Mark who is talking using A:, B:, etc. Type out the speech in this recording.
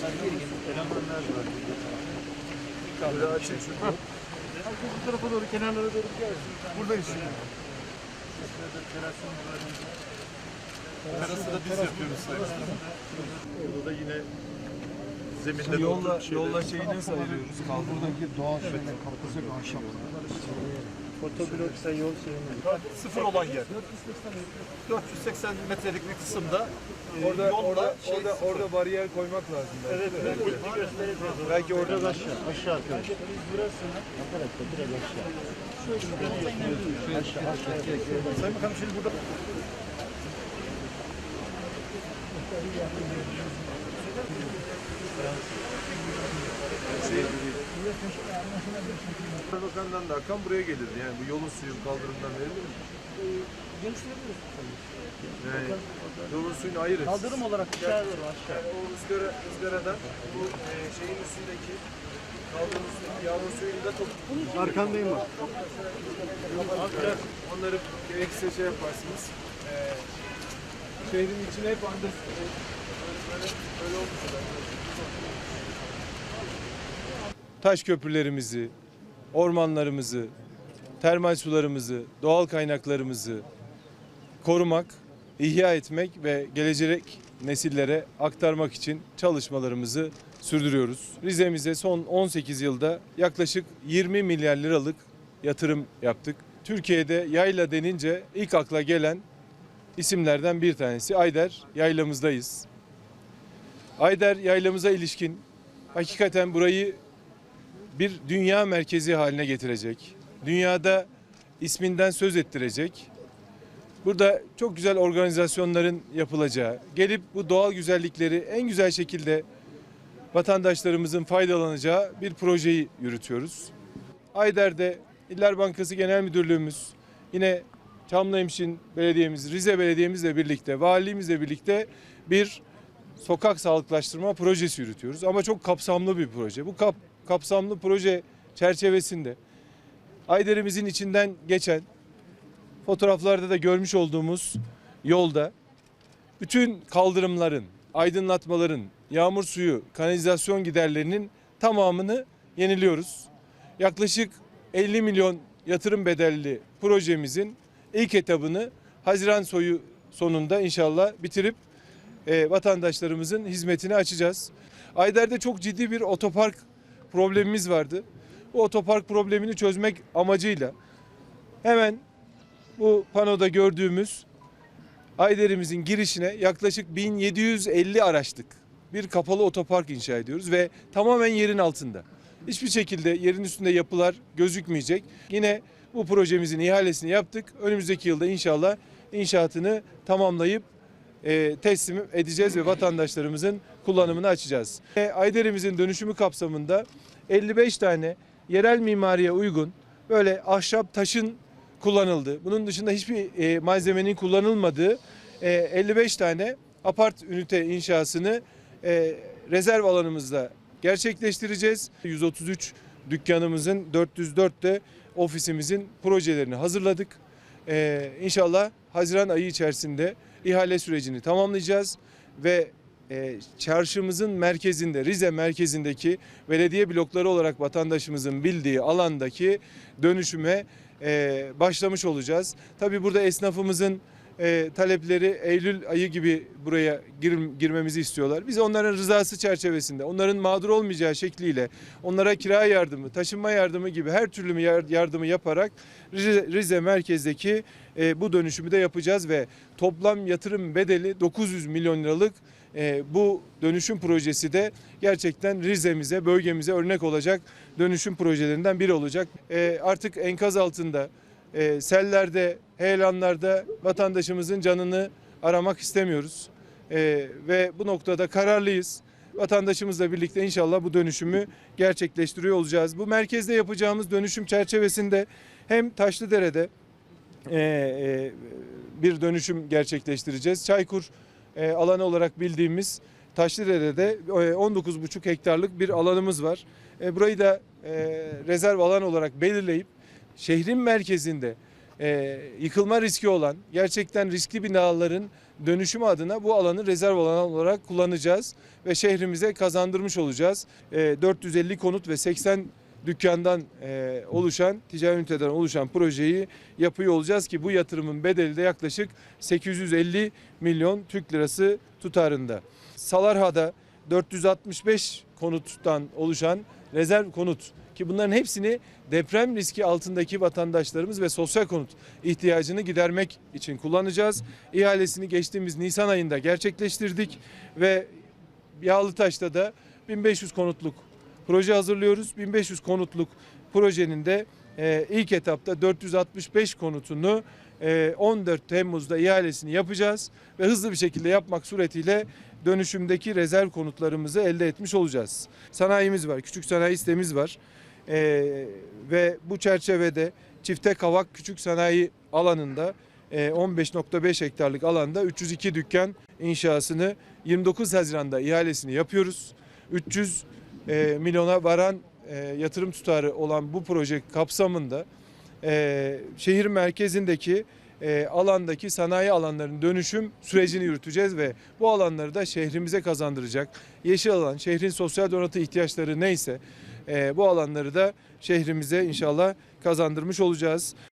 A: Elemanlar var.
B: Böyle açın şunu.
A: Bu tarafa doğru, kenarlara doğru gelsin.
B: Buradayız şimdi.
A: Terası da biz yapıyoruz sayesinde.
B: Orada da yine zeminde
C: Yolla şeyi nasıl ayırıyoruz?
D: Buradaki doğal şeyler kapısı ahşap.
A: Fotobloksa yol şeyini.
B: sıfır olan yer. 480 metrelik bir kısımda
C: orada bariyer koymak lazım.
A: Evet, göstereceğiz.
B: belki orada da
A: Aşağı arkadaşlar. Burasını arkadaşlar biraz aşağı.
B: Sayın Bakanım şimdi burada
C: Bakan'dan da akan buraya gelirdi. Yani bu yolun suyu kaldırımdan verilir mi? Yani yolun suyunu ayırır.
A: Kaldırım olarak aşağı doğru aşağı.
C: O ızgaradan bu şeyin üstündeki kaldırım üstündeki yağmur suyunu da
B: arkandayım bak.
C: onları gerekirse şey yaparsınız. Şehrin içine hep böyle olmuş. Taş köprülerimizi, ormanlarımızı, termal sularımızı, doğal kaynaklarımızı korumak, ihya etmek ve gelecek nesillere aktarmak için çalışmalarımızı sürdürüyoruz. Rize'mize son 18 yılda yaklaşık 20 milyar liralık yatırım yaptık. Türkiye'de yayla denince ilk akla gelen isimlerden bir tanesi Ayder Yaylamızdayız. Ayder Yaylamıza ilişkin hakikaten burayı bir dünya merkezi haline getirecek. Dünyada isminden söz ettirecek. Burada çok güzel organizasyonların yapılacağı, gelip bu doğal güzellikleri en güzel şekilde vatandaşlarımızın faydalanacağı bir projeyi yürütüyoruz. Ayder'de İller Bankası Genel Müdürlüğümüz, yine Çamlıhemşin Belediyemiz, Rize Belediye'mizle birlikte, Valiliğimizle birlikte bir sokak sağlıklaştırma projesi yürütüyoruz. Ama çok kapsamlı bir proje. Bu kapsamlı proje çerçevesinde Ayder'imizin içinden geçen, fotoğraflarda da görmüş olduğumuz yolda bütün kaldırımların, aydınlatmaların, yağmur suyu, kanalizasyon giderlerinin tamamını yeniliyoruz. Yaklaşık 50 milyon yatırım bedelli projemizin ilk etabını Haziran sonunda inşallah bitirip vatandaşlarımızın hizmetine açacağız. Ayder'de çok ciddi bir otopark problemimiz vardı. Bu otopark problemini çözmek amacıyla hemen bu panoda gördüğümüz Ayder'imizin girişine yaklaşık 1750 araçlık bir kapalı otopark inşa ediyoruz ve tamamen yerin altında. Hiçbir şekilde yerin üstünde yapılar gözükmeyecek. Yine bu projemizin ihalesini yaptık. Önümüzdeki yılda inşallah inşaatını tamamlayıp teslim edeceğiz ve vatandaşlarımızın kullanımını açacağız. Ayder'imizin dönüşümü kapsamında 55 tane yerel mimariye uygun böyle ahşap taşın kullanıldı. Bunun dışında hiçbir malzemenin kullanılmadığı 55 tane apart ünite inşasını rezerv alanımızda gerçekleştireceğiz. 133 dükkanımızın 404'te ofisimizin projelerini hazırladık. İnşallah Haziran ayı içerisinde ihale sürecini tamamlayacağız ve çarşımızın merkezinde, Rize merkezindeki belediye blokları olarak vatandaşımızın bildiği alandaki dönüşüme başlamış olacağız. Tabii burada esnafımızın talepleri Eylül ayı gibi buraya girmemizi istiyorlar. Biz onların rızası çerçevesinde, onların mağdur olmayacağı şekliyle onlara kira yardımı, taşınma yardımı gibi her türlü yardımı yaparak Rize merkezdeki bu dönüşümü de yapacağız ve toplam yatırım bedeli 900 milyon liralık bu dönüşüm projesi de gerçekten Rize'mize, bölgemize örnek olacak dönüşüm projelerinden biri olacak. Artık enkaz altında, sellerde, heyelanlarda vatandaşımızın canını aramak istemiyoruz. Ve bu noktada kararlıyız. Vatandaşımızla birlikte inşallah bu dönüşümü gerçekleştiriyor olacağız. Bu merkezde yapacağımız dönüşüm çerçevesinde hem Taşlıdere'de bir dönüşüm gerçekleştireceğiz. Çaykur alanı olarak bildiğimiz Taşlıdere'de 19,5 hektarlık bir alanımız var. Burayı da rezerv alan olarak belirleyip şehrin merkezinde yıkılma riski olan gerçekten riskli binaların dönüşümü adına bu alanı rezerv alan olarak kullanacağız ve şehrimize kazandırmış olacağız. 450 konut ve 80 dükkandan oluşan, ticari üniteden oluşan projeyi yapıyor olacağız ki bu yatırımın bedeli de yaklaşık 850 milyon Türk lirası tutarında. Salarha'da 465 konuttan oluşan rezerv konut ki bunların hepsini deprem riski altındaki vatandaşlarımız ve sosyal konut ihtiyacını gidermek için kullanacağız. İhalesini geçtiğimiz Nisan ayında gerçekleştirdik ve Yağlıtaş'ta da 1500 konutluk proje hazırlıyoruz. 1500 konutluk projenin de ilk etapta 465 konutunu 14 Temmuz'da ihalesini yapacağız ve hızlı bir şekilde yapmak suretiyle dönüşümdeki rezerv konutlarımızı elde etmiş olacağız. Sanayimiz var, küçük sanayi sitemiz var ve bu çerçevede Çifte Kavak Küçük Sanayi alanında 15,5 hektarlık alanda 302 dükkan inşasını 29 Haziran'da ihalesini yapıyoruz. 300 milyona varan yatırım tutarı olan bu proje kapsamında şehir merkezindeki alandaki sanayi alanlarının dönüşüm sürecini yürüteceğiz ve bu alanları da şehrimize kazandıracak. Yeşil alan, şehrin sosyal donatı ihtiyaçları neyse bu alanları da şehrimize inşallah kazandırmış olacağız.